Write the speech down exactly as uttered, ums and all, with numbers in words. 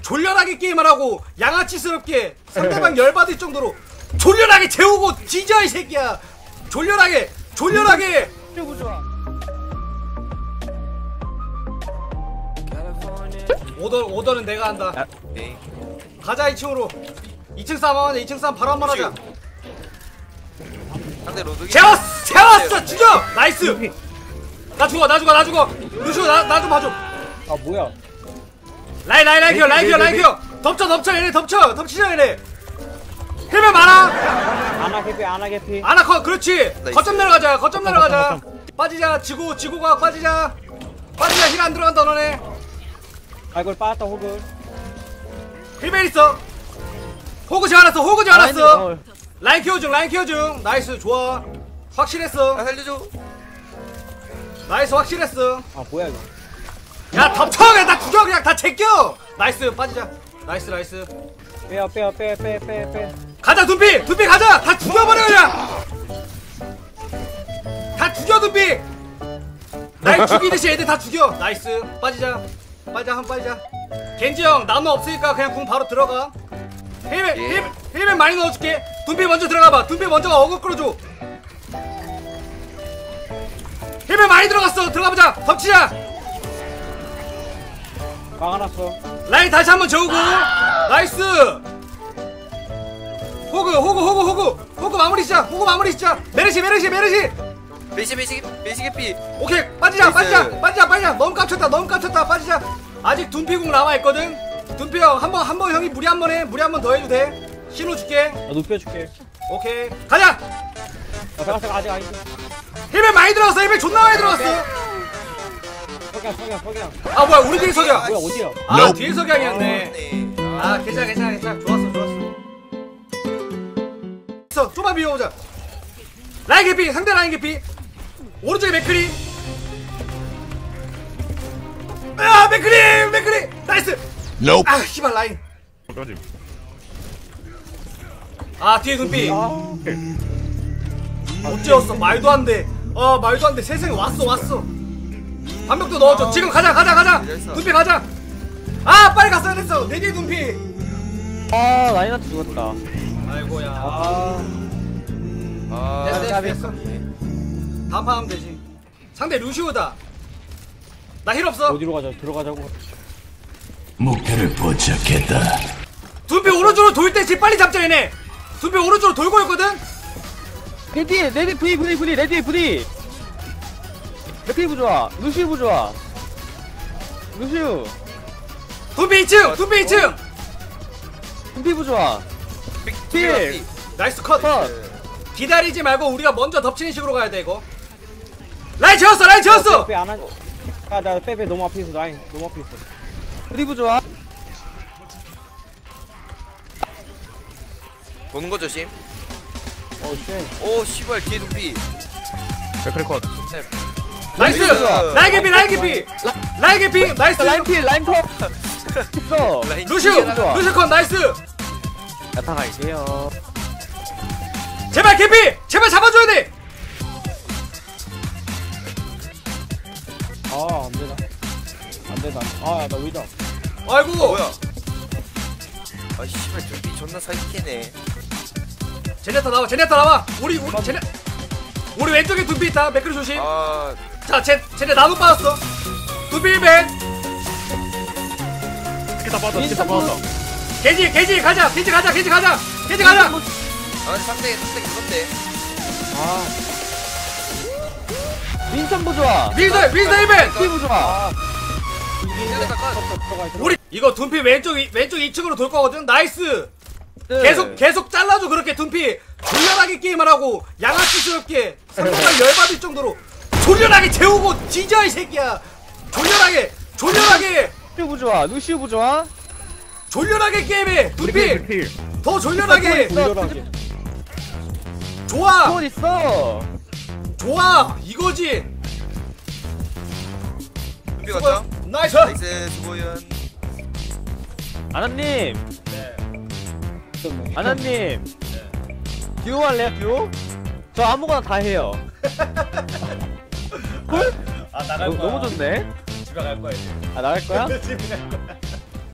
졸렬하게 게임을 하고 양아치스럽게 상대방 열받을 정도로 졸렬하게 재우고 뒤져 이 새끼야. 졸렬하게 졸렬하게. 오더 오더는 내가 한다. 아, 네. 가자 이 층으로. 이 층 싸움 이 층 싸움 바로 한번 하자. 상대 로드기. 재웠어 재웠어 죽여. 나이스. 나 죽어 나 죽어 나 죽어. 루시오 나 나 좀 봐줘. 아 뭐야? 라인 라인 라인 키워 라인 키워 라인 키워. 덮쳐 덮쳐 얘네 덮쳐 덮치자 얘네. 힐면 많아. 아나 개피 아나 개피. 아나 컷 그렇지. 나이스. 거점 내려가자 거점 내려가자. 빠지자 지구 지구가 빠지자. 빠지자. 힐 안 들어간다 너네. 아 이걸 빠졌다 호그. 힐벨 있어. 호그 지어놨어 호그 지어놨어. 어. 라인 키워 중 라인 키워 중. 나이스 좋아. 확실했어. 아 살려줘. 나이스 확실했어. 아 뭐야 이거? 야 덮쳐 그냥 다 죽여 그냥 다 제껴. 나이스 빠지자. 나이스 나이스. 빼요 빼요 빼 빼 빼 빼. 가자 둠피 둠피 가자. 다 죽여버려 그냥. 다 죽여 둠피. 날 죽이듯이 애들 다 죽여. 나이스 빠지자. 빠지자 한 빠지자. 겐지 형 나무 없으니까 그냥 궁 바로 들어가. 힐맨 예. 힐맨 힐맨 많이 넣어줄게. 둠피 먼저 들어가봐. 둠피 먼저 어그 끌어줘. 힐맨 많이 들어갔어. 들어가보자. 덮치자. 막아놨어. 라인 다시 한번 저우고. 나이스. 호그 호그 호그 호그 호그 마무리 시작. 호그 마무리 시작. 메르시 메르시 메르시. 메시 메시 메시 개피. 오케이 빠지자 나이스. 빠지자 빠지자 빠지자. 너무 깝쳤다 너무 깝쳤다. 빠지자. 아직 둔피궁 남아있거든. 둔피 형 한번 한 번 형이 무리 한 번 해. 무리 한 번 더 해도 돼. 신호 줄게. 나 눕혀줄게. 오케이 가자. 나 잠깐 아직 아직. 힐벨 많이 들어갔어. 힐벨 존나 많이 들어갔어. 석양 석양 석양. 아 뭐야 우리들이 석양. 뭐야 어디야? 아 뒤에 석양이었네. 네. 아 괜찮아 괜찮아 괜찮아. 좋았어 좋았어. 있어 좀만 비워보자. 라인 개피 상대 라인 개피. 오른쪽에 맥크리. 아 맥크리 맥크리 나이스. Nope. 아 씨발 라인. 아 뒤에 눈빛. 못 재웠어. 말도 안돼. 어 말도 안돼. 세상에 왔어 왔어. 반벽도 넣어줘. 지금 가자 가자 가자. 눈빛 가자. 아 빨리 갔어야 됐어. 내 뒤에 눈빛. 아 라인한테 죽었다. 아이고야. 아. 아. 됐어 됐어 까비. 됐어. 다음 판 하면 되지. 상대 루시오다. 나 힐 없어. 어디로 가자? 들어가자고. 목표를 포착했다. 눈빛 오른쪽으로 돌 때 집 빨리 잡자 얘네. 눈빛 오른쪽으로 돌고 있거든. 내 뒤에 내 뒤에 브리 브리 브리 내 뒤에 브리. 맥크리 부좋아. 루시우 부좋아. 루시우. 눈빛 이 층 눈빛 이 층. 금피 부좋아. 필. 나이스 컷. 컷. 기다리지 말고 우리가 먼저 덮치는 식으로 가야 돼 이거. 라인 채웠어 라인 채웠어. 빼 안 한. 아나 빼빼 너무 앞에 있어 라인 너무 앞에 있어. 브리 부좋아. 보는 거 조심. 어 쉣. 오 씨발 뒤에 눈피. 맥크리 컷. 나이스. 나이스. 라인 개피 라인 개피. 라인 개피 나이스. 라인 필 라인 컷. 있어. 라인 루시오 튕겨나가. 루시오 컷 나이스. 나타나게요. 제발 개피 제발 잡아줘야 돼. 아 안되나. 안되나. 아나 의자. 아이고. 어, 뭐야? 아 씨발 눈피 존나 사기캐네. 제네타 나와 제네타 나와. 우리 우리 제네 우리 왼쪽에 둔피 있다. 맥크리 조심. 아 자 제, 쟤네 나무 빠졌어. 둔피 일벤. 다 빠졌다. 진짜 빠졌다. 개지 개지 가자 개지 가자 개지 가자 개지 가자. 아 근데 상대 상대 그건데. 아. 윈선 부좋아. 밀더 밀더 일벤. 피 부좋아. 튕겨나가 컷. 우리 이거 둔피 왼쪽 이- 왼쪽 이 층으로 돌 거거든. 나이스. 네. 계속 계속 잘라줘. 그렇게 둔피 졸렬하게 게임을 하고 양아치스럽게 상대방 열받을 정도로 졸렬하게 재우고 뒤져 이 새끼야. 졸렬하게 졸렬하게 루시우 부좋아. 루시우 부좋아. 졸렬하게 게임해. 둔피 더 졸렬하게. 졸렬하게. 좋아 돈 있어. 좋아 이거지. 눈피 갔다. 나이스. 나이스 수고연. 아나님. 아나님. 듀오 할래요 듀오? 저 아무거나 다 해요. 헐? 아 너, 너무 좋네. 집에 갈 거야 이제. 아 나갈 거야? 집에 갈 거야.